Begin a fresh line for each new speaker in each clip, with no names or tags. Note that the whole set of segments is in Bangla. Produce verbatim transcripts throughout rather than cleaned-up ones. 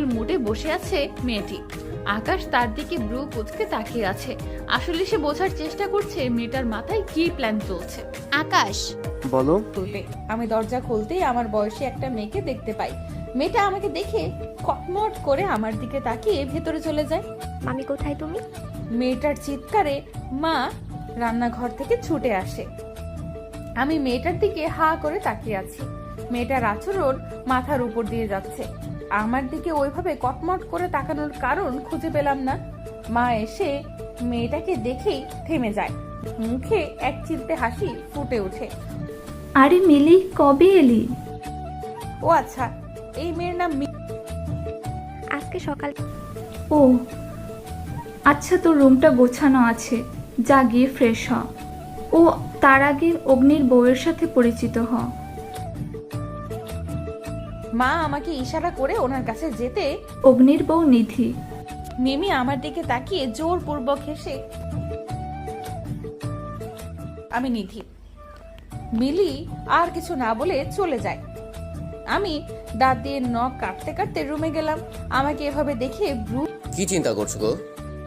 মুডে বসে আছে মেয়েটি। আকাশ তার দিকে ব্রু কুচকে তাকিয়ে আছে। আসলে সে বোঝার চেষ্টা করছে মেয়েটার মাথায় কি প্ল্যান চলছে।
আকাশ
বলো।
খুলতে আমি দরজা খুলতেই আমার বয়সী একটা মেয়েকে দেখতে পাই। মেয়েটা আমাকে দেখে কটমট করে আমার দিকে তাকিয়ে ভেতরে চলে যায়।
মামি কোথায় তুমি?
মেয়েটার চিৎকারে মা রান্নাঘর থেকে ছুটে আসে। আমি মেয়েটার দিকে হা করে তাকিয়ে আছি। মেয়েটার আচরণ মাথার উপর দিয়ে যাচ্ছে। আমার দিকে ওইভাবে কটমট করে তাকানোর কারণ খুঁজে পেলাম না। মা এসে মেয়েটাকে দেখেই থেমে যায়। মুখে এক চিলতে হাসি ফুটে ওঠে।
আরে মিলি, কবে এলি?
ও আচ্ছা, এই মেয়ের নাম মি-
আজকে সকাল।
ও আচ্ছা, তোর রুমটা গোছানো আছে, যা গিয়ে ফ্রেশ হ। ও তার আগে অগ্নির বউয়ের সাথে পরিচিত হ।
মা আমাকে ইশারা করে ওনার কাছে যেতে
অগ্নির বউ নিধি।
মিমি আমার দিকে তাকিয়ে জোরপূর্বক হেসে, আমি নিধি। মিলি আর কিছু না বলে চলে যায়। আমি দাঁত দিয়ে নখ কাটতে কাটতে রুমে গেলাম। আমাকে এভাবে দেখে ব্রু
কি চিন্তা করছো গো?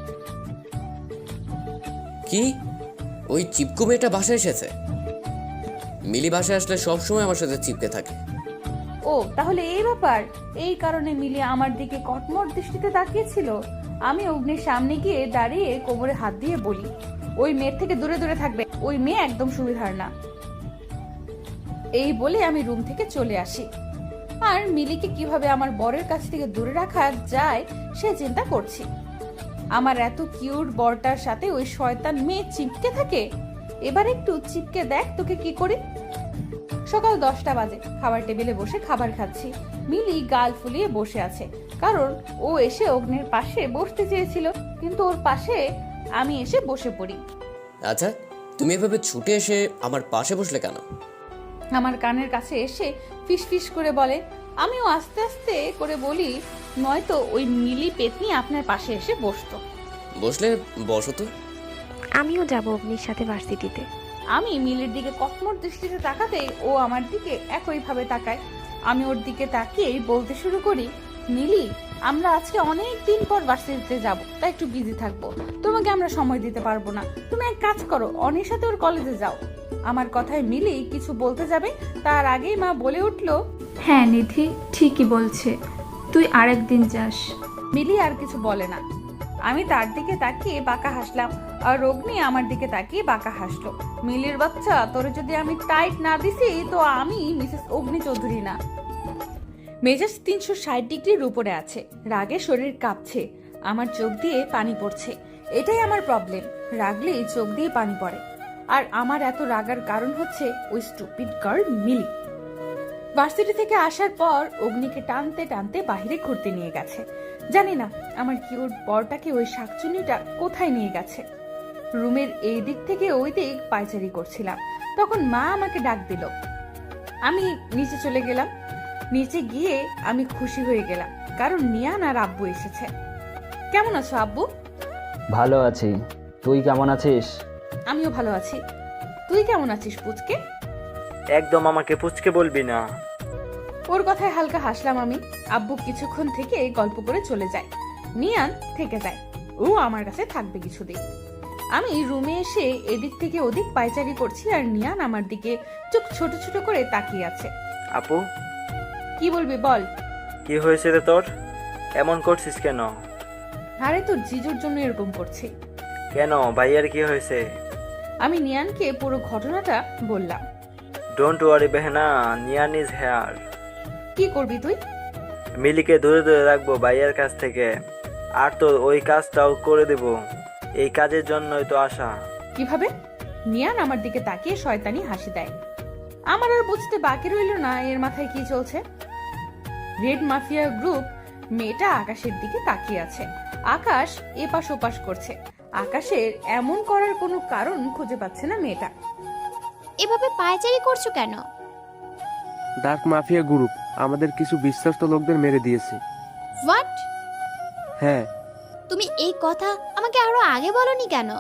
কি ওই চিপকু মেয়েটা বাসায় এসেছে? মিলি বাসায় আসলে সবসময় আমার সাথে চিপকে থাকে।
ও তাহলে এই ব্যাপার। এই কারণে মিলি আমার দিকে কটমট দৃষ্টিতে তাকিয়েছিল। আমি অগ্নির সামনে গিয়ে দাঁড়িয়ে কোমরে হাত দিয়ে বলি, ওই মেয়ের থেকে দূরে দূরে থাকবে, ওই মেয়ে একদম সুবিধার না। এই বলে আমি রুম থেকে চলে আসি। আর মিলিকে কিভাবে আমার বরের কাছ থেকে দূরে রাখা যায় সে চিন্তা করছি। আমার এত কিউট বরটার সাথে ওই শয়তান মেয়ে চিপকে থাকে। এবার একটু চিপকে দেখ তোকে কি করি। সকাল দশটা বাজে, খাবার টেবিলে বসে খাবার খাচ্ছি। মিলি গাল ফুলিয়ে বসে আছে, কারণ ও এসে অগ্নির পাশে বসতে চেয়েছিল, কিন্তু ওর পাশে আমি এসে বসে পড়ি।
আচ্ছা, তুমি এভাবে ছুটে এসে আমার পাশে বসলে কেন?
আমার কানের কাছে এসে ফিস ফিস করে বলে। আমিও আস্তে আস্তে করে বলি, নয়তো ওই মিলি পেতনি আপনার পাশে এসে বসতো।
বসলে বসো তো।
আমিও যাব অগ্নির সাথে ভার্সিটিতে।
আমি মিলির দিকে কটমট দৃষ্টিতে তাকাতেই ও আমার দিকে একইভাবে তাকায়। আমি ওর দিকে তাকিয়ে বলতে শুরু করি, মিলি, আমরা আজকে অনেক দিন পর ভার্সিটিতে যাব, তাই একটু বিজি থাকবো, তোমাকে আমরা সময় দিতে পারবো না। তুমি এক কাজ করো, অনির সাথে ওর কলেজে যাও। আমার কথায় মিলি কিছু বলতে যাবে, তার আগেই মা বলে উঠলো,
হ্যাঁ নিধি ঠিকই বলছে, তুই আরেকদিন যাস।
মিলি আর কিছু বলে না। আমি তার দিকে তাকিয়ে বাঁকা হাসলাম, আর অগ্নি আমার দিকে তাকিয়ে বাঁকা হাসলো। মিলির বাচ্চা, তোরে যদি আমি টাইট না দিছি তো আমি মিসেস অগ্নি চৌধুরী না। মেজাজ তিনশো ষাট ডিগ্রির উপরে আছে। রাগে শরীর কাঁপছে, আমার চোখ দিয়ে পানি পড়ছে। এটাই আমার প্রবলেম, রাগলেই চোখ দিয়ে পানি পড়ে। আর আমার এত রাগার কারণ হচ্ছে ওই স্টুপিড গার্ল মিলি। ভার্সিটি থেকে আসার পর অগ্নিকে টানতে টানতে বাইরে ঘুরতে নিয়ে গেছে। জানি না আমার কিউট বরটাকে ওই শাকচুনিটা কোথায় নিয়ে গেছে। রুমের এই দিক থেকে ওই দিক পায়চারি করছিলাম, তখন মা আমাকে ডাক দিল। আমি নিচে চলে গেলাম। নিচে গিয়ে আমি খুশি হয়ে গেলাম, কারণ নিয়ান আর আব্বু এসেছে। কেমন আছো আব্বু?
ভালো আছি, তুই কেমন আছিস?
আমিও ভালো আছি। তুই কেমন আছিস পুচকে?
একদম আমাকে পুচকে বলবি না।
ওর কথায় হালকা হাসলাম আমি। আব্বু কিছুক্ষণ থেকে গল্প করে চলে যায়। নিয়ান থেকে যায়, ও আমার কাছে থাকবে কিছুদিন। আমি রুমে এসে এদিক থেকে ওদিক পায়চারি করছি, আর নিয়ান আমার দিকে চোখ ছোট ছোট করে তাকিয়ে আছে।
আপু,
কি বলবি বল।
কি হয়েছে রে তোর? এমন করছিস কেন?
আরে তোর জিজুর জন্য এরকম করছি।
কেন, ভাইয়ার কি হয়েছে?
আমি নিয়ানকে পুরো ঘটনাটা বললাম।
ডোন্ট ওয়ারি বেহনা, নিয়ান ইজ হেয়ার।
কি করবি তুই?
মিলিকে দূরে দূরে রাখবো ভাইয়ার কাছ থেকে, আর তোর ওই কাজটাও করে দেব। এই কাজের জন্যই তো আসা।
কিভাবে? নিয়ান আমার দিকে তাকিয়ে শয়তানি হাসি দেয়। আমার আর বুঝতে বাকি রইল না এর মাথায় কি চলছে। রেড মাফিয়া গ্রুপ মেয়েটা আকাশের দিকে তাকিয়ে আছে। আকাশ এপাশ ওপাশ করছে। আকাশের এমন করার কোনো কারণ খুঁজে পাচ্ছে না মেয়েটা।
এভাবে পায়চারি করছো কেন?
ডার্ক মাফিয়া গ্রুপ আমাদের কিছু বিশ্বস্ত লোকদের মেরে দিয়েছে।
হোয়াট?
হ্যাঁ।
তুমি এই কথা আমাকে আরো আগে বলনি কেন?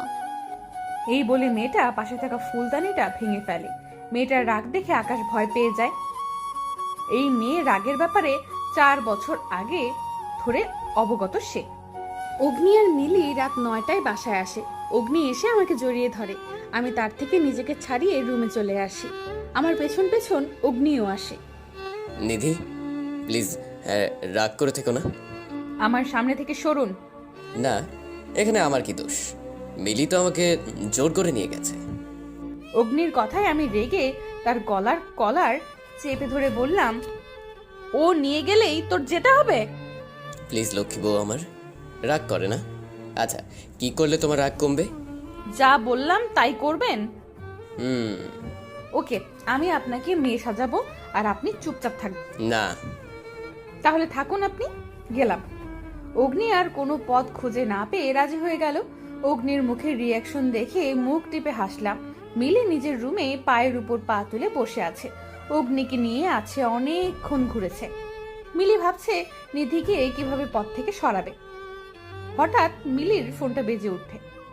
এই বলে মেয়েটা পাশে থাকা ফুলদানিটা ভেঙে ফেলে। মেয়েটার রাগ দেখে আকাশ ভয় পেয়ে যায়। এই মেয়ে রাগের ব্যাপারে চার বছর আগে ধরে অবগত সে। অগ্নি আর মিলি রাত নয়টায় বাসায় আসে। অগ্নি এসে আমাকে জড়িয়ে ধরে। আমি তার থেকে নিজেকে ছাড়িয়ে রুমে চলে আসি। আমার পেছন পেছন অগ্নিও আসে।
নিধি প্লিজ রাগ করে থেকো না।
আমার সামনে থেকে সরুন।
না, এখানে আমার কি দোষ? মিলি তো আমাকে জোর করে নিয়ে গেছে।
অগ্নির কথায় আমি রেগে তার গলার কলার চেপে ধরে বললাম, ও নিয়ে গেলেই তোর যেতে হবে?
প্লিজ লক্ষ্মী বউ আমার, রাগ করে না। আচ্ছা, কি করলে তোমার রাগ কমবে?
যা বললাম তাই করবেন?
হুম।
ওকে, আমি আপনাকে মেয়ে সাজাবো আর আপনি চুপচাপ থাকবেন।
না।
তাহলে থাকুন আপনি। গেলাম। অগ্নি আর কোনো পথ খুঁজে না পেয়ে রাজি হয়ে গেল। অগ্নির মুখের রিয়াকশন দেখে মুখ টিপে হাসলাম। মিলি নিজের রুমে পায়ের উপর পা তুলে বসে আছে। অগ্নিকে নিয়ে আছে অনেকক্ষণ ঘুরেছে। মিলি ভাবছে নিধিকে কিভাবে পথ থেকে সরাবে। হঠাৎ মিলির ফোনটা বেজে ওঠে।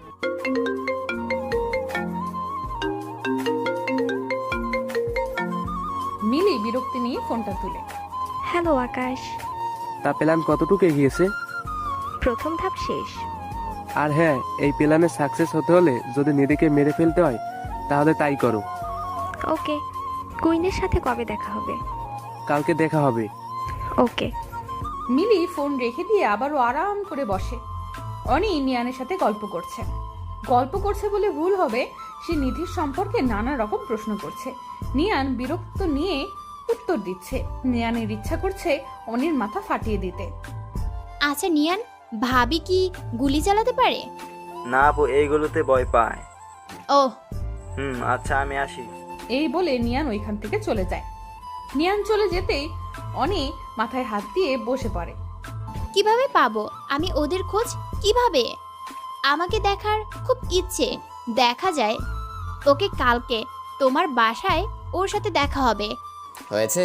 মিলি বিরক্তি নিয়ে ফোনটা তুলে,
হ্যালো আকাশ,
তা প্ল্যান কতটুকু এগিয়েছে?
প্রথম ধাপ শেষ।
আর হ্যাঁ, এই প্ল্যানে সাকসেস হতে হলে যদি নিধিকে মেরে ফেলতে হয় তাহলে তাই করো।
ওকে, কুইনের সাথে কবে দেখা হবে?
কালকে দেখা হবে।
ওকে।
মিলি ফোন রেখে দিয়ে আবারও আরাম করে বসে। অনি নিয়ানের সাথে গল্প করছে। গল্প করছে বলে ভুল হবে, সে নিধির সম্পর্কে নানা রকম প্রশ্ন করছে। নিয়ান বিরক্ত নিয়ে উত্তর দিচ্ছে। নিয়ানের ইচ্ছা করছে অনির মাথা ফাটিয়ে দিতে।
আচ্ছা নিয়ান, ভাবি কি গুলি চালাতে পারে?
না আপু, এইগুলোতে ভয় পায়।
ও
হুম, আচ্ছা আমি আসি।
এই বলে নিয়ান ওইখান থেকে চলে যায়। নিয়ান চলে যেতেই অনি মাথায় হাত দিয়ে বসে পড়ে।
কিভাবে পাবো আমি ওদের খোঁজ? কিভাবে? আমাকে দেখার খুব ইচ্ছে। দেখা যায় ওকে কালকে তোমার বাসায় ওর সাথে দেখা হবে।
হয়েছে?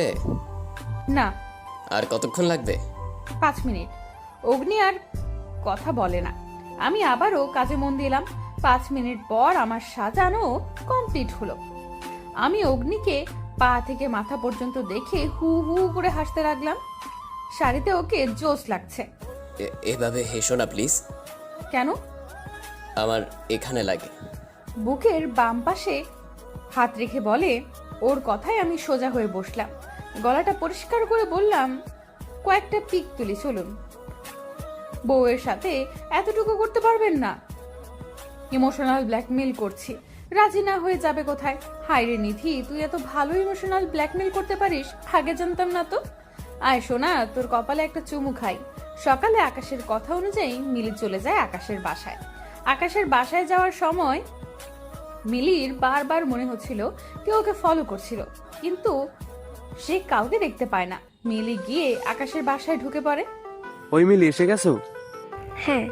না।
আর কতক্ষণ লাগবে?
পাঁচ মিনিট। অগ্নি আর কথা বলে না। আমি আবারও কাজে মন দিলাম। পাঁচ মিনিট পর আমার সাজানো কমপ্লিট হলো। আমি অগ্নিকে পা থেকে মাথা পর্যন্ত দেখে হু হু করে হাসতে লাগলাম। শাড়িতে ওকে জোশ লাগছে।
এ- এভাবে হেসো না প্লিজ।
কেন?
আমার এখানে লাগে।
বুকের বাম পাশে হাত রেখে বলে। ওর কথায় আমি সোজা হয়ে বসলাম। গলাটা পরিষ্কার করে বললাম, কয়েকটা পিক তুলি চলুন। বউয়ের সাথে এতটুকু করতে পারবেন না? ইমোশনাল ব্ল্যাকমেল করছি, রাজি না হয়ে যাবে কোথায়? হায় রে নিধি, তুই এত ভালো ইমোশনাল ব্ল্যাকমেল করতে পারিস, আগে জানতাম না তো। আয় সোনা, তোর কপালে একটা চুমু খাই। সকালে আকাশের কথা অনুযায়ী মিলি চলে যায় আকাশের বাসায়। আকাশের বাসায় যাওয়ার সময় মিলির বারবার মনে হচ্ছিল কেউ ওকে ফলো করছিল, কিন্তু সে কাউকে দেখতে পায় না। মিলি গিয়ে আকাশের বাসায় ঢুকে পড়ে।
ওই মিলি, এসে গেছো?
হ্যাঁ।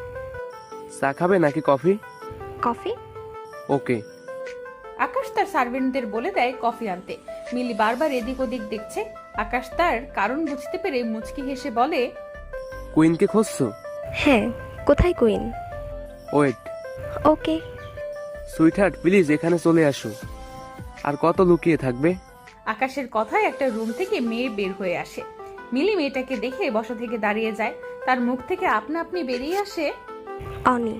চা খাবে নাকি কফি?
কফি?
ওকে।
আকাশ তার সার্ভেন্টদের বলে দেয় কফি আনতে। মিলি বারবার এদিক ওদিক দেখছে। আকাশ তার কারণ বুঝতে পেরে মুচকি হেসে বলে,
কুইনকে খুঁজছো?
হ্যাঁ। কোথায় queen?
Wait.
Okay.
Sweetheart please এখানে চলে আসো। আর কত লুকিয়ে থাকবে?
আকাশের কথায় একটা রুম থেকে মেয়ে বের হয়ে আসে। মিলি মেয়েটাকে দেখে বসা থেকে দাঁড়িয়ে যায়। তার মুখ থেকে আপনা আপনি বেরিয়ে আসে,
অনি।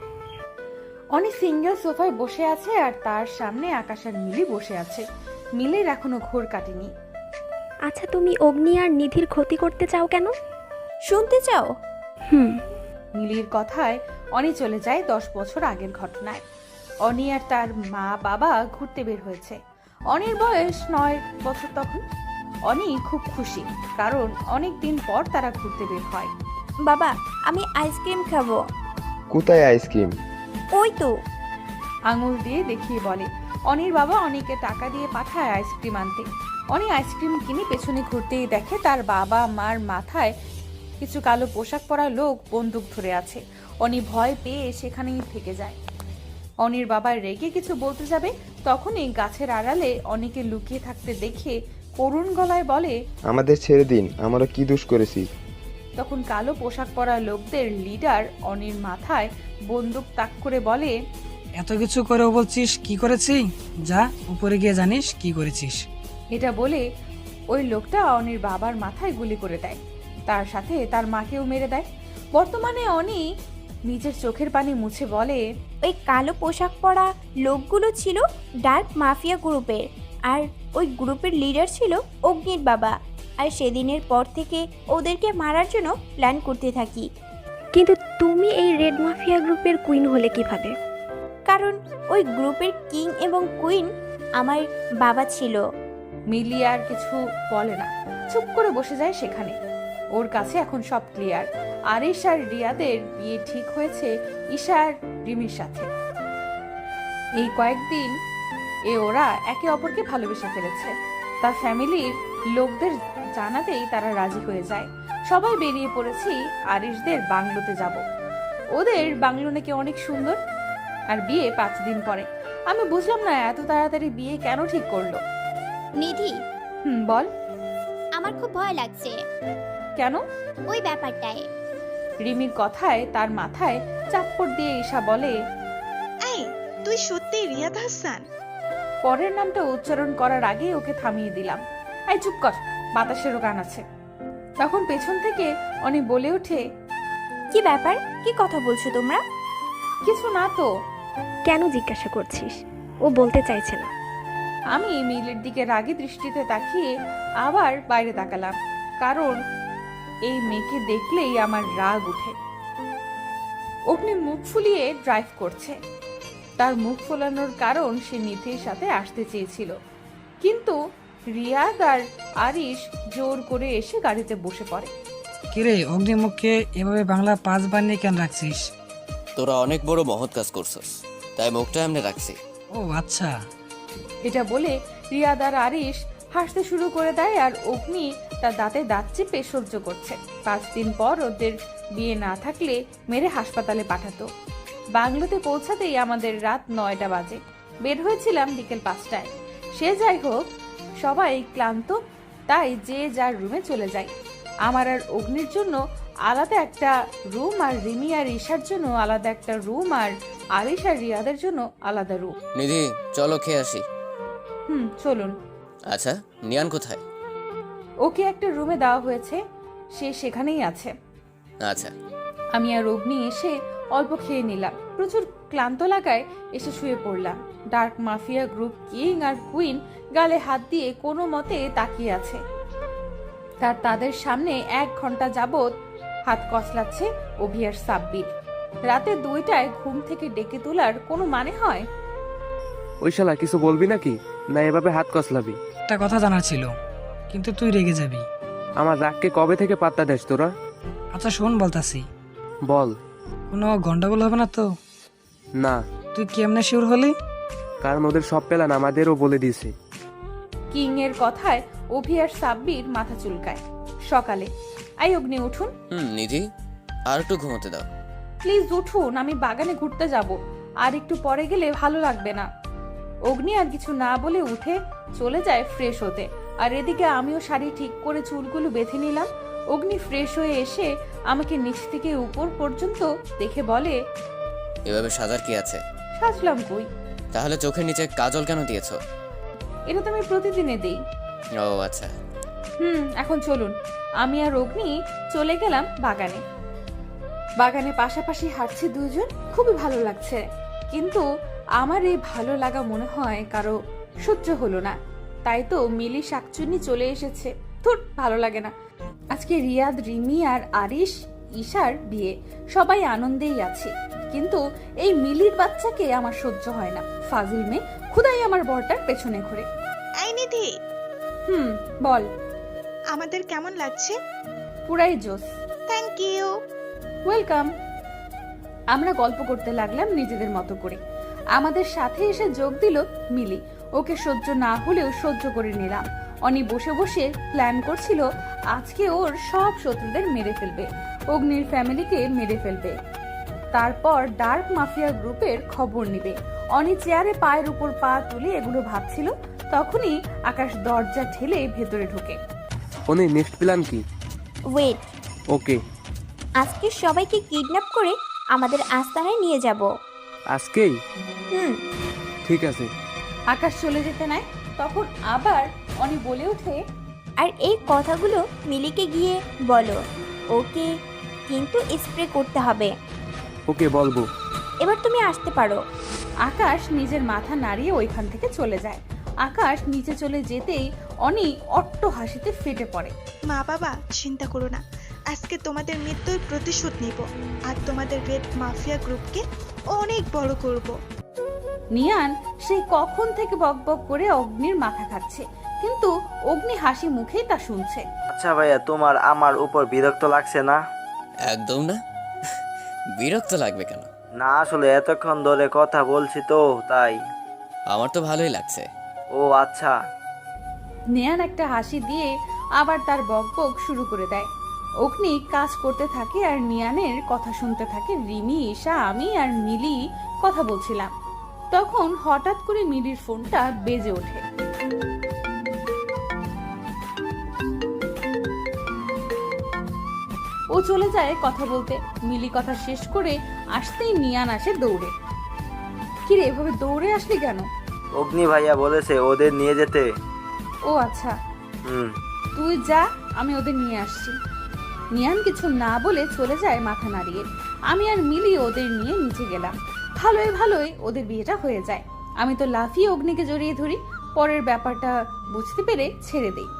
অনেক সিঙ্গেল সোফায় বসে আছে আর তার সামনে আকাশ আর মিলি বসে আছে। মিলির এখনো ঘোর কাটেনি।
আচ্ছা, তুমি অগ্নি আর নিধির ক্ষতি করতে চাও কেন?
শুনতে চাও?
হুম।
মিলির কথায় অনি চলে যায় দশ বছর আগের ঘটনায়। অনি আর তার মা বাবা ঘুরতে বের হয়েছে। অনির বয়স নয় বছর তখন। অনি খুব খুশি, কারণ অনেক দিন পর তারা ঘুরতে বের হয়।
বাবা, আমি আইসক্রিম খাবো।
কোথায় আইসক্রিম?
ওই তো।
আঙুল দিয়ে দেখিয়ে বলে। অনির বাবা অনিকে টাকা দিয়ে পাঠায় আইসক্রিম আনতে। অনি আইসক্রিম কিনে পেছনে ঘুরতেই দেখে তার বাবা মার মাথায় কিছু কালো পোশাক পরা লোক বন্দুক ধরে আছে। অনি ভয় পেয়ে সেখানেই থেকে যায়। অনির বাবা রেগে কিছু বলতে যাবে, তখনই গাছের আড়ালে অনিকে লুকিয়ে থাকতে দেখে করুণ গলায় বলে,
আমাদের ছেড়ে দিন, আমরা কি দোষ করেছি?
তখন কালো পোশাক পরা লোকদের লিডার অনির মাথায় বন্দুক তাক করে বলে,
এত কিছু করেও বলছিস কি করেছি? যা উপরে গিয়ে জানিস কি করেছিস।
এটা বলে ওই লোকটা অনির বাবার মাথায় গুলি করে দেয়। তার সাথে তার মাকেও মেরে দেয়। বর্তমানে অনি নিজের চোখের পানি মুছে বলে,
ওই কালো পোশাক পরা লোকগুলো ছিল ডার্ক মাফিয়া গ্রুপের, আর ওই গ্রুপের লিডার ছিল অগ্নির বাবা। আর সেদিনের পর থেকে ওদেরকে মারার জন্য প্ল্যান করতে থাকি।
কিন্তু তুমি এই রেড মাফিয়া গ্রুপের কুইন হলে কিভাবে?
কারণ ওই গ্রুপের কিং এবং কুইন আমার বাবা ছিল।
মিলি আর কিছু বলে না, চুপ করে বসে যায় সেখানে। ওর কাছে এখন সব ক্লিয়ার। আরিশ আর রিয়াদের বিয়ে ঠিক হয়েছে ঈশা আর রিমির সাথে। এই কয়েকদিন এ ওরা একে অপরকে ভালোবেসে ফেলেছে। তার ফ্যামিলির লোকদের জানাতেই তারা রাজি হয়ে যায়। সবাই বেরিয়ে পড়েছি আরিশদের বাংলোতে যাব। ওদের বাংলো নাকি অনেক সুন্দর, আর বিয়ে পাঁচ দিন পরে। আমি বুঝলাম না এত তাড়াতাড়ি বিয়ে কেন ঠিক করলো।
নিধি,
হুম, বল।
আমার খুব ভয় লাগছে।
কেন?
ওই ব্যাপারটায়।
রিমির কথায় তার মাথায় চাপ্পড় দিয়ে ঈশা বলে,
এই তুই সত্যি রিয়াদ হাসান?
পরের নামটা উচ্চারণ করার আগে ওকে থামিয়ে দিলাম। এই চুপ কর, বাতাসেরও গান আছে। তখন পেছন থেকে অনি বলে ওঠে,
কি ব্যাপার, কি কথা বলছো তোমরা?
কিছু না তো।
কেন জিজ্ঞাসা করছিস? ও বলতে চাইছে না।
আমি মিলের দিকে রাগী দৃষ্টিতে তাকিয়ে আবার বাইরে তাকালাম, কারণ এই মেয়েকে দেখলেই আমার রাগ উঠে। অগ্নি মুখ ফুলিয়ে ড্রাইভ করছে। তার মুখ ফোলানোর কারণ সে নিধির সাথে আসতে চেয়েছিল, কিন্তু রিয়াদ আর আরিশ জোর করে এসে গাড়িতে বসে পড়ে।
কিরে, অগ্নিমুখকে এভাবে বাংলা পাঁচ বানিয়ে কেন রাখছিস?
তোরা অনেক বড় মহৎ কাজ করছস, তাই মুখটা এমনি রাখছি।
ও আচ্ছা।
এটা বলে রিয়াদ আর আরিশ হাসতে শুরু করে দেয়, আর অগ্নি তার দাঁতে দাঁত চেপে সহ্য করছে। পাঁচ দিন পর ওদের বিয়ে না থাকলে মেরে হাসপাতালে পাঠাতো। বাংলোতে পৌঁছাতেই আমাদের রাত নয়টা বাজে। বের হয়েছিলাম বিকেল পাঁচটায়। সে যাই হোক, সবাই ক্লান্ত, তাই যে যার রুমে চলে যায়। আমার আর অগ্নির জন্য আলাদা একটা রুম, আর রিমি আর ঈশার জন্য আলাদা একটা রুম, আর আরিশ আর রিয়াদের জন্য আলাদা রুম।
নিধি, চলো খেয়ে আসি।
হুম, চলুন।
আচ্ছা, নিয়ান কোথায়?
ওকে একটা রুমে দেওয়া হয়েছে, সে সেখানেই আছে।
আচ্ছা।
আমি আর অগ্নি এসে অল্প খেয়ে নিলাম। প্রচুর ক্লান্ত লাগায় এসে শুয়ে পড়লাম। ডার্ক মাফিয়া গ্রুপ কিং আর কুইন গালে হাত দিয়ে কোনো মতে তাকিয়ে আছে। তার তাদের সামনে এক ঘন্টা যাবত হাত কসলাচ্ছে অভি আর সাব্বির। রাতে দুইটায় ঘুম থেকে ডেকে তোলার কোনো মানে হয়?
ওই শালা কিছু বলবি নাকি, না এভাবে হাত কসলাবি?
একটা কথা জানার ছিল, কিন্তু তুই রেগে যাবি।
আমার রাগকে কবে থেকে পাত্তা দেস তোরা?
আচ্ছা শোন, বলতাছি।
বল।
কোনো গন্ডগোল হবে না তো?
না।
তুই কেমনে শিওর হলি?
কারণ ওদের সব প্ল্যান আমাদেরও বলে দিয়েছে।
কিং এর কথায় অভি আর সাব্বির মাথা চুলকায়। সকালে, আই অগ্নি উঠুন।
হুম নিধি, আর একটু ঘুমোতে দাও।
প্লিজ উঠুন, আমি বাগানে ঘুরতে যাব, আর একটু পরে গেলে ভালো লাগবে না। অগ্নি আর কিছু না বলে উঠে চলে যায় ফ্রেশ হতে, আর এদিকে আমিও শাড়ি ঠিক করে চুলগুলো বেঁধে নিলাম। অগ্নি ফ্রেশ হয়ে এসে আমাকে নিচ থেকে উপর পর্যন্ত দেখে বলে,
এভাবে সাজার কি আছে?
সাজলাম কই?
তাহলে চোখের নিচে কাজল কেন দিয়েছো?
এটা তো আমি প্রতিদিনে দেই।
ও আচ্ছা।
হুম, এখন চলুন। আমি আর অগ্নি চলে গেলাম বাগানে। বাগানে পাশাপাশি হাঁটছি দুজন, খুবই ভালো লাগছে। কিন্তু আমার এই ভালো লাগা মনে হয় কারো সহ্য হলো না, তাই তো মিলি শাকচুন্নি চলে এসেছে। ধুর, ভালো লাগে না। আজকে রিয়াদ, রিমি আর আরিশ, ঈশার বিয়ে, সবাই আনন্দেই আছে। কিন্তু এই মিলির বাচ্চাকে আমার সহ্য হয় না। ফাজিল মেয়ে, খুদাই আমার বরটার পেছনে ঘুরে।
এই নিধি।
হুম, বল।
আমাদের কেমন লাগছে?
পুরাই জোস।
Thank you.
ওয়েলকাম। আমরা গল্প করতে লাগলাম নিজেদের মতো করে। আমাদের সাথে এসে যোগ দিল মিলি। ওকে সহ্য না হলেও সহ্য করে নিলাম। অনি বসে বসে প্ল্যান করছিল আজকে ওর সব শত্রুদের মেরে ফেলবে, অগ্নির ফ্যামিলিকে মেরে ফেলবে, তারপর ডার্ক মাফিয়া গ্রুপের খবর নিবে। অনি চেয়ারে পায়ের উপর পা তুলে এগুলো ভাবছিল, তখনই আকাশ দরজা ঠেলে ভেতরে ঢোকে।
ওনে নেক্সট প্ল্যান কি?
Wait,
okay.
আজকে সবাইকে কিডন্যাপ করে আমাদের আস্তানায় নিয়ে যাব।
আজকেই?
হুম।
ঠিক আছে।
আকাশ চলে যেতে নাই, তখন আবার অনি বলে ওঠে,
আর এই কথাগুলো মিলিকে গিয়ে বলো। ওকে কিন্তু স্প্রে করতে হবে।
ওকে বলবো।
এবার তুমি আসতে পারো।
আকাশ নিজের মাথা নাড়িয়ে ওইখান থেকে চলে যায়। আকাশ নিচে চলে যেতেই অনি অট্ট হাসিতে ফেটে পড়ে।
মা বাবা চিন্তা করো না, আজকে তোমাদের মৃত্যুর প্রতিশোধ নিব আর তোমাদের রেড মাফিয়া গ্রুপকে অনেক বড় করব।
নিয়ান সেই কখন থেকে বকবক করে অগ্নির মাথা খাচ্ছে, কিন্তু অগ্নি হাসি মুখেই তা শুনছে।
আচ্ছা ভাইয়া, তোমার আমার উপর বিরক্ত লাগছে না?
একদম না। বিরক্ত লাগবে কেন?
না আসলে এতক্ষণ ধরে কথা বলছি তো তাই।
আমার তো ভালোই লাগছে।
ও আচ্ছা।
নিয়ান একটা হাসি দিয়ে আবার তার বকবক শুরু করে দেয়। অগ্নি কাজ করতে থাকে আর নিয়ানের কথা শুনতে থাকে। রিমি, ঈশা, আমি আর মিলি কথা বলছিলাম। তখন হঠাৎ করে মিলির ফোনটা বেজে ওঠে। ও চলে যায় কথা বলতে। মিলি কথা শেষ করে আসতেই নিয়ান আসে দৌড়ে। কিরে, এভাবে দৌড়ে আসলি কেন?
অগ্নি ভাইয়া বলেছে ওদের নিয়ে যেতে।
ও আচ্ছা,
হুম।
তুই যা, আমি ওদের নিয়ে আসছি। নিয়ান কিছু না বলে চলে যায় মাথা নাড়িয়ে। আমি আর মিলি ওদের নিয়ে নিচে গেলাম। ভালোই ভালোই ওদের বিয়েটা হয়ে যায়। আমি তো লাফিয়ে অগ্নিকে জড়িয়ে ধরি। পরের ব্যাপারটা বুঝতে পেরে ছেড়ে দেই।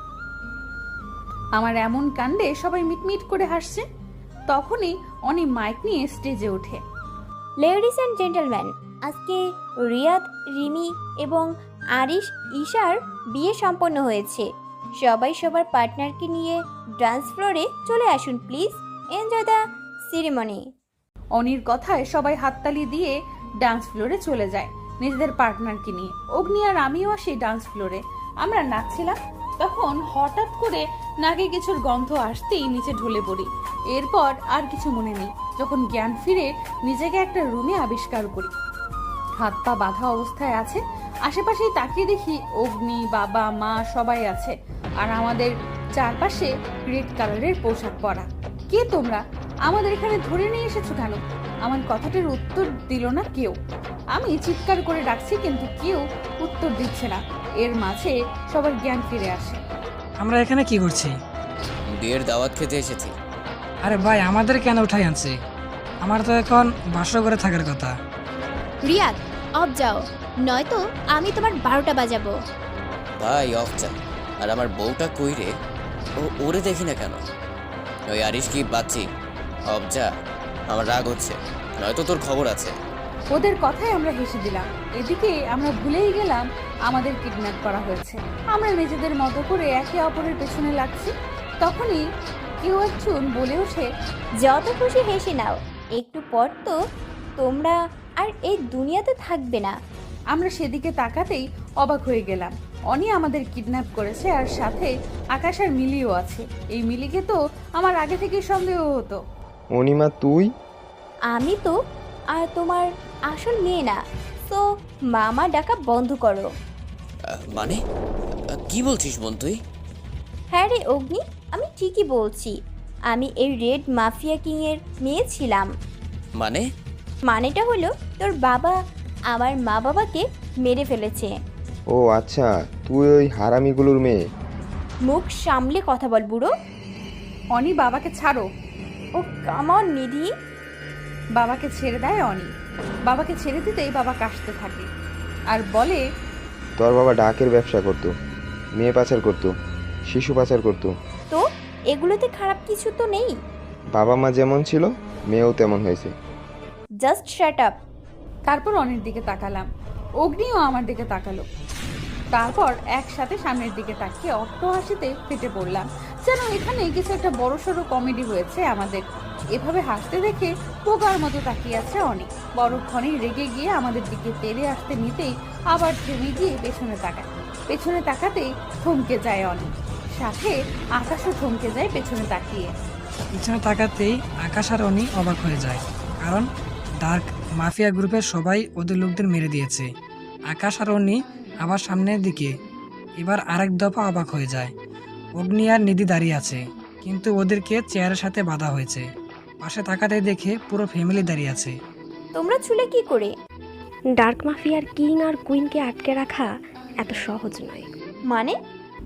আমার এমন কাণ্ডে সবাই মিটমিট করে হাসছে। তখনই অনি মাইক নিয়ে স্টেজে ওঠে।
লেডিস অ্যান্ড জেন্টলম্যান, আজকে রিয়াদ, রিমি এবং আরিশ, ঈশার বিয়ে সম্পন্ন হয়েছে। সবাই সবার পার্টনারকে নিয়ে ডান্স ফ্লোরে চলে আসুন প্লিজ। Enjoy the ceremony.
অনির কথায় সবাই হাততালি দিয়ে ডান্স ফ্লোরে চলে যায় নিজেদের পার্টনারকে নিয়ে। অগ্নি আর আমিও আসি ডান্স ফ্লোরে। আমরা নাচছিলাম, তখন হঠাৎ করে নাকে কিছুর গন্ধ আসতেই নিচে ঢলে পড়ি। এরপর আর কিছু মনে নেই। যখন জ্ঞান ফিরে নিজেকে একটা রুমে আবিষ্কার করি। হাত পা বাঁধা অবস্থায় আছে। আশেপাশেই তাকিয়ে দেখি অগ্নি, বাবা, মা সবাই আছে। আর আমাদের চারপাশে রেড কালারের পোশাক পরা। কে তোমরা? আমাদের এখানে ধরে নিয়ে এসেছো কেন? আমার কথাটার উত্তর দিল না কেউ। আমি চিৎকার করে ডাকছি, কিন্তু কেউ উত্তর দিচ্ছে না। এর মাঝে সবার জ্ঞান ফিরে আসে।
আমরা এখানে কি করছি?
বিয়ের দাওয়াত খেতে এসেছি।
আরে ভাই, আমাদের কেন উঠাই আনছে? আমার তো এখন বাসর করে থাকার কথা।
রিয়াদ, অফ যাও, নয়তো আমি তোমার বারোটা বাজাবো।
ভাই অফ যা। আর আমার বউটা কই রে? ও ওরে দেখি না কেন? ওই আরিশ কি বাচ্চি? অফ যা, আমার রাগ হচ্ছে, নয়তো তোর খবর আছে।
ওদের কথায় আমরা হেসে দিলাম। এদিকে আমরা ভুলেই গেলাম আমাদের কিডন্যাপ করা হয়েছে। আমরা নিজেদের মতো করে একে অপরের পেছনে লাগছি। তখনই কেউ একজন বলে ওঠে,
যত খুশি হেসে নাও, একটু পর তো তোমরা আর এই দুনিয়াতে থাকবে না।
আমরা সেদিকে তাকাতেই অবাক হয়ে গেলাম। অনি আমাদের কিডন্যাপ করেছে, আর সাথে আকাশ আর মিলিও আছে। এই মিলিকে তো আমার আগে থেকে সন্দেহ হতো।
অনিমা তুই?
আমি তো আর তোমার আসল মেয়ে না, তো মামা ডাকা বন্ধ করো।
আহ, মানে আহ, কি বলছিস বোন তুই?
হ্যাঁ রে অগ্নি, আমি ঠিকই বলছি। আমি এই রেড মাফিয়া কিংয়ের মেয়ে ছিলাম।
মানে?
মানেটা হলো তোর বাবা আমার মা বাবাকে মেরে ফেলেছে।
ও আচ্ছা, তুই ওই হারামিগুলোর মেয়ে।
মুখ সামলে কথা বল বুড়ো।
অনি, বাবাকে ছাড়ো।
Oh come on Nidhi.
বাবাকে ছেড়ে দেয় অনি। বাবাকে ছেড়ে দিতেই বাবা কাশতে থাকে আর বলে,
তোর বাবা ডাকের ব্যবসা করতো, মেয়ে পাচার করতো, শিশু পাচার করতো।
তো এগুলোতে খারাপ কিছু তো নেই।
বাবা মা যেমন ছিল মেয়েও তেমন হয়েছে।
Just shut up.
তারপর অনির দিকে তাকালাম। অগ্নিও আমার দিকে তাকালো। তারপর একসাথে সামনের দিকে তাকিয়ে অট্ট হাসিতে ফেটে পড়লাম। যেন এখানে কিছু একটা বড়সড় কমেডি হয়েছে আমাদের। এভাবে হাসতে দেখে পোকার মতো তাকিয়ে আছে অনেক। বড়ক্ষণে রেগে গিয়ে আমাদের দিকে তেড়ে আসতে নিতেই আবার থেমে গিয়ে পেছনে তাকায়। পেছনে তাকাতেই থমকে যায় অনেক, সাথে আকাশও থমকে যায় পেছনে তাকিয়ে।
পিছনে তাকাতেই আকাশ আর অনি অবাক হয়ে যায়, কারণ ডার্ক মাফিয়া গ্রুপের সবাই ওদের লোকদের মেরে দিয়েছে। আকাশ আর অনি আবার সামনের দিকে। এবার আরেক দফা অবাক হয়ে যায়। অগ্নি আর নিধি দাঁড়িয়ে আছে, কিন্তু ওদেরকে চেয়ারের সাথে বাঁধা হয়েছে। পাশে তাকাতে দেখে পুরো ফ্যামিলি দাঁড়িয়ে আছে।
তোমরা ছুলে কি করে?
ডার্ক মাফিয়ার কিং আর কুইনকে আটকে রাখা এত সহজ নয়।
মানে?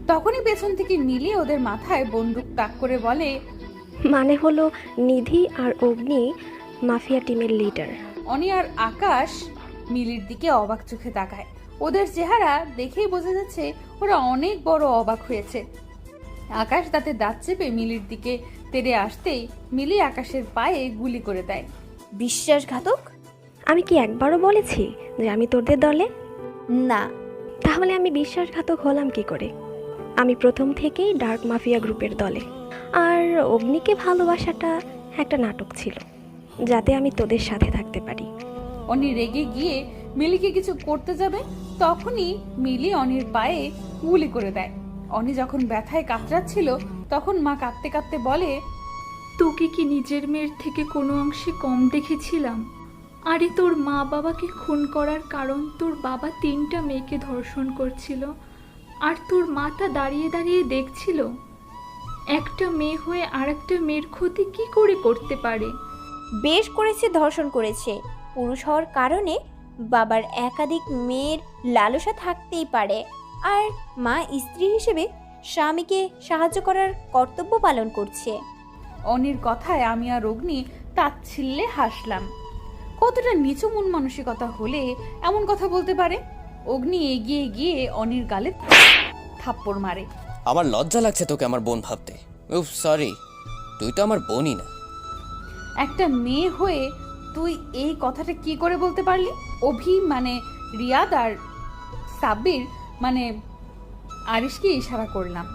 তখনই পেছন থেকে মিলি ওদের মাথায় বন্দুক তাক করে বলে,
মানে হলো নিধি আর অগ্নি মাফিয়া টিমের লিডার।
অনি আর আকাশ মিলির দিকে অবাক চোখে তাকায়। ওদের চেহারা দেখেই বোঝা যাচ্ছে ওরা অনেক বড় অবাক হয়েছে। আকাশ দাঁতে দাঁত চেপে মিলির দিকে তেড়ে আসতেই মিলি আকাশের পায়ে গুলি করে দেয়।
বিশ্বাসঘাতক!
আমি কি একবারও বলেছি যে আমি তোদের দলে?
না।
তাহলে আমি বিশ্বাসঘাতক হলাম কি করে? আমি প্রথম থেকেই ডার্ক মাফিয়া গ্রুপের দলে। আর অগ্নিকে ভালোবাসাটা একটা নাটক ছিল, যাতে আমি তোদের সাথে থাকতে পারি।
অনি রেগে গিয়ে মিলিকে কিছু করতে যাবে, তখনই মিলি অনির পায়ে গুলি করে দেয়। অনি যখন ব্যথায় কাতরাচ্ছিল তখন মা কাঁদতে কাঁদতে বলে,
তোকে কি নিজের মেয়ের থেকে কোনো অংশে কম দেখেছিলাম? আরে তোর মা বাবাকে খুন করার কারণ তোর বাবা তিনটা মেয়েকে ধর্ষণ করছিল, আর তোর মাটা দাঁড়িয়ে দাঁড়িয়ে দেখছিল। একটা মেয়ে হয়ে আর একটা মেয়ের ক্ষতি কি করে করতে পারে?
বেশ করেছে, ধর্ষণ করেছে। পুরুষ হওয়ার কারণে বাবার একাধিক মেয়ের লালসা থাকতেই পারে, আর মা স্ত্রী হিসেবে স্বামীকে সাহায্য করার কর্তব্য পালন করছে।
অনির কথায় আমি আর অগ্নি তাচ্ছিল্যে হাসলাম। কতটা নিচু মন মানসিকতা হলে এমন কথা বলতে পারে? অগ্নি এগিয়ে গিয়ে অনির গালে থাপ্পড় মারে।
আমার লজ্জা লাগছে তোকে আমার বোন ভাবতে। উফ সরি, তুই তো আমার বোনই না।
একটা মেয়ে হয়ে তুই এই কথাটা কি করে বলতে পারলি? অভি মানে রিয়াদ আর সাব্বির মানে আরিশকে ইশারা করলাম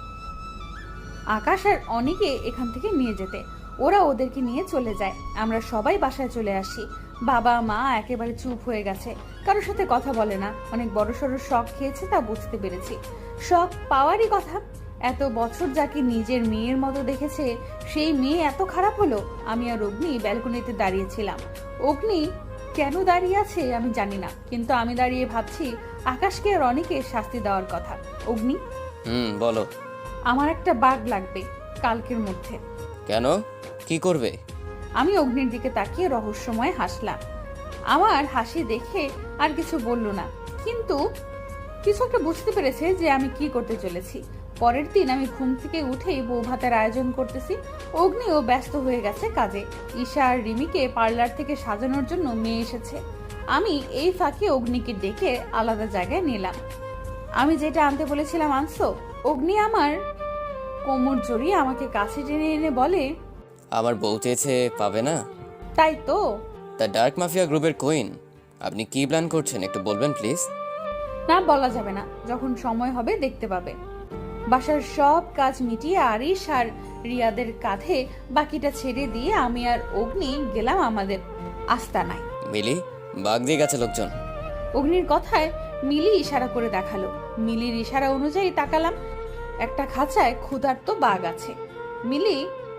আকাশ আর অনিকে এখান থেকে নিয়ে যেতে। ওরা ওদেরকে নিয়ে চলে যায়। আমরা সবাই বাসায় চলে আসি। বাবা মা একেবারে চুপ হয়ে গেছে, কারোর সাথে কথা বলে না। অনেক বড় সড়ো শখ খেয়েছে, তা বুঝতে পেরেছি। শখ পাওয়ারই কথা। এত বছর যাকে নিজের মেয়ের মতো দেখেছে, সেই মেয়ে এত খারাপ হলো। আমি আর অগ্নি ব্যালকনিতে দাঁড়িয়েছিলাম। অগ্নি কেন দাঁড়িয়ে আছে আমি জানি না, কিন্তু আমি দাঁড়িয়ে ভাবছি আকাশকে আর অনিকে শাস্তি দেওয়ার কথা। অগ্নি,
হুম বলো।
আমার একটা বাঘ লাগবে কালকের মধ্যে।
কেন, কি করবে?
আমি অগ্নির দিকে তাকিয়ে রহস্যময় হাসলাম। আমার হাসি দেখে আর কিছু বলল না, কিন্তু কিছু একটা বুঝতে পেরেছে যে আমি কি করতে চলেছি। পরের দিন আমি ঘুম থেকে উঠেই বউ ভাতের আয়োজন করতেছি। অগ্নিও ব্যস্ত হয়ে গেছে কাজে। ঈশা আর রিমিকে পার্লার থেকে সাজানোর জন্য মেয়ে এসেছে। আমি এই ফাঁকে অগ্নিকে ডেকে আলাদা জায়গায় নিলাম। আমি যেটা আনতে বলেছিলাম আনছো? অগ্নি আমার কোমর জড়িয়ে আমাকে কাছে টেনে এনে বলে,
আমার বউ চেয়েছে পাবে না?
তাই তো।
দ্য ডার্ক মাফিয়া গ্রুপের কুইন, আপনি কি প্ল্যান করছেন একটু বলবেন প্লিজ?
না, বলা যাবে না, যখন সময় হবে দেখতে পাবে। বাসার সব কাজ মিটিয়ে আরিশ আর রিয়াদের কাঁধে বাকিটা ছেড়ে দিয়ে আমি আর অগ্নি গেলাম আমাদের আস্তানায়।
মিলি, বাঘ দিয়ে গেছে লোকজন।
অগ্নির কথায় মিলি ইশারা করে দেখালো। মিলির ইশারা অনুযায়ী তাকালাম। একটা খাঁচায় ক্ষুধার্ত বাঘ আছে। মিলি,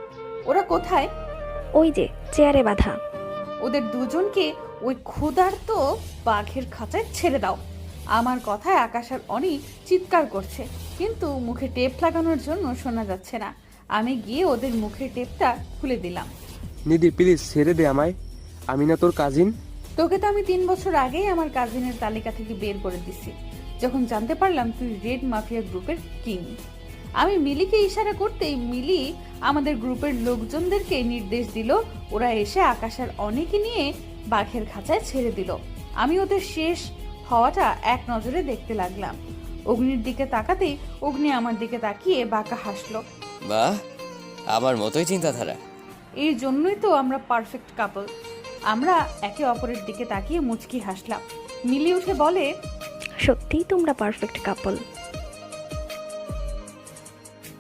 ওরা কোথায়?
ওই যে চেয়ারে বাঁধা।
ওদের দুজনকে ওই ক্ষুধার্ত বাঘের খাঁচায় ছেড়ে দাও। আমার কথায় আকাশ আর অনি চিৎকার করছে, কিন্তু মুখে টেপ লাগানোর জন্য শোনা যাচ্ছে না। আমি গিয়ে ওদের মুখের টেপটা খুলে দিলাম।
নিধি প্লিজ ছেড়ে দে আমায়, আমি না তোর কাজিন।
তোকে তো আমি তিন বছর আগেই আমার কাজিনের তালিকা থেকে বের করে দিছি, যখন জানতে পারলাম তুই রেড মাফিয়া গ্রুপের কিং। আমি মিলিকে ইশারা করতেই মিলি আমাদের গ্রুপের লোকজনদেরকে নির্দেশ দিল। ওরা এসে আকাশ আর অনেকে নিয়ে বাঘের খাঁচায় ছেড়ে দিল। আমি ওদের শেষ হওয়াটা এক নজরে দেখতে লাগলাম। অগ্নির দিকে তাকাতেই অগ্নি আমার দিকে তাকিয়ে বাঁকা হাসলো।
বাহ, আমার মতোই চিন্তাধারা।
এই জন্যই তো আমরা পারফেক্ট কাপল। আমরা একে অপরের দিকে তাকিয়ে মুচকি হাসলাম। মিলি উঠে বলে,
সত্যিই তোমরা পারফেক্ট কাপল।